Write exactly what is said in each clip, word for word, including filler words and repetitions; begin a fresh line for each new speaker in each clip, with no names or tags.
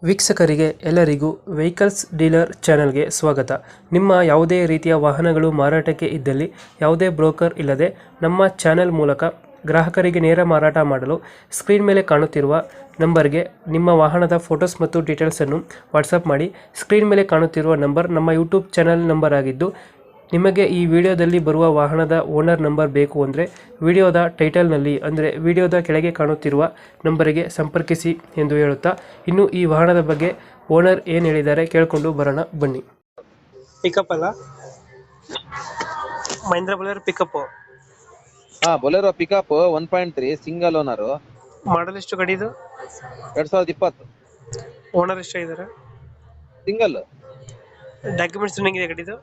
ವೀಕ್ಷಕರಿಗೆ ಎಲ್ಲರಿಗೂ vehicles dealer ಚಾನೆಲ್ಗೆ ಸ್ವಾಗತ. ನಿಮ್ಮ ಯಾವುದೇ ರೀತಿಯ ವಾಹನಗಳು ಮಾರಾಟಕ್ಕೆ ಇದ್ದಲ್ಲಿ ಯಾವುದೇ ಬ್ರೋಕರ್ ಇಲ್ಲದೆ ನಮ್ಮ ಚಾನೆಲ್ ಮೂಲಕ ಗ್ರಾಹಕರಿಗೆ ನೇರ ಮಾರಾಟ ಮಾಡಲು ಸ್ಕ್ರೀನ್ ಮೇಲೆ ಕಾಣುತ್ತಿರುವ ನಂಬರ್ಗೆ ನಿಮ್ಮ ವಾಹನದ ಫೋಟೋಸ್ ಮತ್ತು ಡೀಟೇಲ್ಸನ್ನು ವಾಟ್ಸಪ್ ಮಾಡಿ. ಸ್ಕ್ರೀನ್ ಮೇಲೆ ಕಾಣುತ್ತಿರುವ ನಂಬರ್ ನಮ್ಮ ಯೂಟ್ಯೂಬ್ ಚಾನೆಲ್ ನಂಬರ್ ಆಗಿದ್ದು, ನಿಮಗೆ ಈ ವಿಡಿಯೋದಲ್ಲಿ ಬರುವ ವಾಹನದ ಓನರ್ ನಂಬರ್ ಬೇಕು ಅಂದರೆ ವಿಡಿಯೋದ ಟೈಟಲ್ನಲ್ಲಿ ಅಂದರೆ ವಿಡಿಯೋದ ಕೆಳಗೆ ಕಾಣುತ್ತಿರುವ ನಂಬರಿಗೆ ಸಂಪರ್ಕಿಸಿ ಎಂದು ಹೇಳುತ್ತಾ, ಇನ್ನು ಈ ವಾಹನದ ಬಗ್ಗೆ ಓನರ್ ಏನು ಹೇಳಿದ್ದಾರೆ ಕೇಳಿಕೊಂಡು ಬರೋಣ ಬನ್ನಿ. ಪಿಕಪ್ ಅಲ್ಲ, ಮಹೇಂದ್ರ ಬೊಲೆರೋ ಪಿಕಪ್.
ಹಾ Bolero pickup one point three single owner.
Model ಎಷ್ಟು ಗಾಡಿ ಇದು?
ಎರಡ್ ಸಾವಿರದ ಇಪ್ಪತ್ತು.
ಓನರ್ ಎಷ್ಟು ಇದ್ದಾರೆ?
ಸಿಂಗಲ್.
ಡಾಕ್ಯುಮೆಂಟ್ಸ್ ರನ್ನಿಂಗ್ ಇದೆ ಗಾಡಿದು?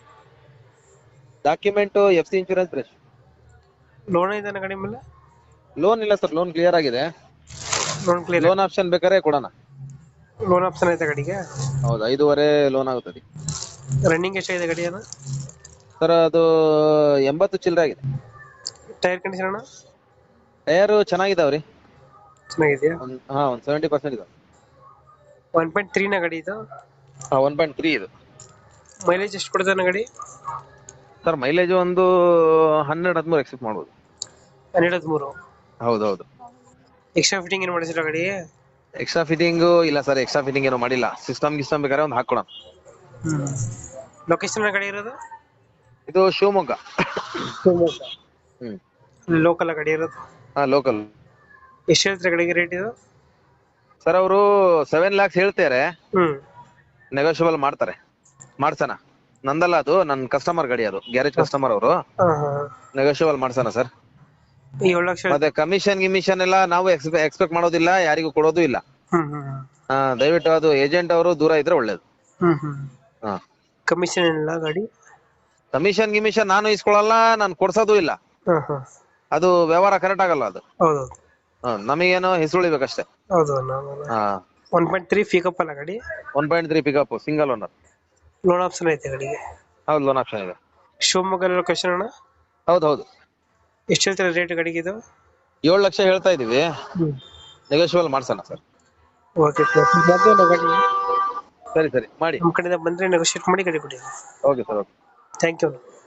Document F C insurance fresh.
Loan ಇದೆ ಗಾಡಿ ಮೇಲೆ?
ಲೋನ್ ಇಲ್ಲ ಸರ್, ಲೋನ್ ಕ್ಲಿಯರ್ ಆಗಿದೆ.
Loan clear.
ಲೋನ್ ಆಪ್ಷನ್ ಬೇಕಾದ್ರೆ ಕೊಡೋಣ.
ಲೋನ್ ಆಪ್ಷನ್ ಐತೆ ಗಾಡಿಗೆ?
ಹೌದು, ಐದೂವರೆ ಲೋನ್ ಆಗುತ್ತದೆ.
ರನ್ನಿಂಗ್ ಎಷ್ಟಾಗಿದೆ ಗಾಡಿ ಅದು?
ಸರ್ ಅದು ಎಂಬತ್ತು ಚಿಲ್ಲರೆ ಆಗಿದೆ.
ಟೈರ್ ಕಂಡೀಷನ್ ಅಣ್ಣ?
ಟೈರ್ ಚೆನ್ನಾಗಿದಾವ್ರಿ.
ಚೆನ್ನಾಗಿದೆಯಾ?
ಒಂದ್ ಹಾ ಒಂದ್ ಸೆವೆಂಟಿ ಪರ್ಸೆಂಟ್ ಇದೆ.
ಒನ್ ಪಾಯಿಂಟ್ ತ್ರೀ ನ ಗಾಡಿ ಇದು?
ಹಾ ಒನ್ ಪಾಯಿಂಟ್ ತ್ರೀ ಇದು.
ಮೈಲೇಜ್ ಎಷ್ಟು ಕೊಡ್ತಾನೆ ಗಾಡಿ?
ಸರ್ ಮೈಲೇಜ್ ಒಂದು ಹನ್ನೆರಡು ಹದಿಮೂರು ಎಕ್ಸೆಪ್ಟ್ ಮಾಡ್ಬೋದು.
ಹನ್ನೆರಡು ಹದಿಮೂರು?
ಹೌದೌದು.
ಎಕ್ಸ್ಟ್ರಾ ಫಿಟ್ಟಿಂಗ್ ಏನು ಮಾಡಿಸಿಲ್ಲ ಗಾಡಿ?
ಎಕ್ಸ್ಟ್ರಾ ಫಿಟ್ಟಿಂಗ್ ಇಲ್ಲ ಸರ್, ಎಕ್ಸ್ಟ್ರಾ ಫಿಟ್ಟಿಂಗ್ ಏನು ಮಾಡಿಲ್ಲ. ಸಿಸ್ಟಮ್ ಗಿಸ್ಟಮ್ ಬೇಕಾದ್ರೆ ಒಂದು ಹಾಕೊಡೋಣ.
ಹ್ಮ್. ಲೊಕೇಶನ್ ಗಾಡಿ ಇರೋದು?
ಇದು ಶಿವಮೊಗ್ಗ.
ಶಿವಮೊಗ್ಗ.
ಹ್ಮ್.
ಲೋಕಲ್ ಗಾಡಿ ಇರೋದು?
ಹಾ ಲೋಕಲ್.
ಎಷ್ಟು ಹೇಳ್ತಾರೆ ಗಾಡಿಗೆ ರೇಟ್ ಇದು?
ಸರ್ ಅವರು ಸೆವೆನ್ ಲ್ಯಾಕ್ಸ್ ಹೇಳ್ತಾರೆ,
ಹ್ಮ್.
ನೆಗೋಷಿಯಬಲ್ ಮಾಡ್ತಾರೆ, ಮಾಡ್ಸೋಣ. ನಂದಲ್ಲ, ಅದು ನನ್ನ ಕಸ್ಟಮರ್ ಗಾಡಿ, ಅದು ಗ್ಯಾರೇಜ್ ಕಸ್ಟಮರ್ ಅವರು.
ಹಾ ಹಾ.
ನೆಗೋಷಿಯಬಲ್ ಮಾಡ್ಸೋಣ ಸರ್.
ಏಳು ಲಕ್ಷ.
ಮತ್ತೆ ಕಮಿಷನ್ ಗಿಮಿಷನ್ ಎಲ್ಲ ನಾವು ಎಕ್ಸ್ಪೆಕ್ಟ್ ಮಾಡೋದಿಲ್ಲ, ಯಾರಿಗೂ ಕೊಡೋದು ಇಲ್ಲ.
ಹ್ಮ್ ಹ್ಮ್.
ಹಾ ದಯವಿಟ್ಟು ಅದು ಏಜೆಂಟ್ ಅವರು ದೂರ ಇದ್ರೆ ಒಳ್ಳೇದು.
ಹ್ಮ್ ಹ್ಮ್.
ಹಾ
ಕಮಿಷನ್ ಏನಿಲ್ಲ ಗಾಡಿ?
ಕಮಿಷನ್ ಗಿಮಿಷನ್ ನಾನು ಇಸ್ಕೊಳಲ್ಲ, ನಾನು ಕೊಡ್ಸೋದು ಇಲ್ಲ.
ಹಾ ಹಾ.
ಅದು ವ್ಯವಹಾರ ಕರೆಕ್ಟ್ ಆಗಲ್ಲ ಅದು.
ಹೌದು.
ಹಾ ನಮಗೇನು ಹೆಸರುಳಿಬೇಕಷ್ಟೇ.
ಹೌದು.
ಹಾ
ಒನ್ ಪಾಯಿಂಟ್ ತ್ರೀ ಪಿಕಪ್ ಅಲ್ಲ ಗಾಡಿ?
One point three pickup single owner.
Loan option ಐತೆ ಗಾಡಿಗೆ?
ಹೌದು, ಲೋನ್ ಆಪ್ಷನ್ ಇದೆ.
ಶಿವಮೊಗ್ಗ ಲೊಕೇಶನ್ ಅಣ್ಣ?
ಹೌದು ಹೌದು.
ಎಷ್ಟು ಹೇಳ್ತಾರೆ ರೇಟ್ ಗಾಡಿಗೆ ಇದು?
ಏಳು ಲಕ್ಷ ಹೇಳ್ತಾ ಇದೀವಿ,
ಹ್ಮ್.
ನೆಗೋಷಿಯಬಲ್ ಮಾಡ್ಸೋಣ ಸರ್.
ಓಕೆ ಸರ್, ಗಾಡಿ
ಸರಿ ಸರಿ ಮಾಡಿ.
ನಮ್ಮ ಕಡೆಯಿಂದ ಬಂದ್ರೆ ನೆಗೋಷಿಯೇಟ್ ಮಾಡಿ ಗಾಡಿ ಕೊಡಿ.
Okay sir, okay.
Thank you.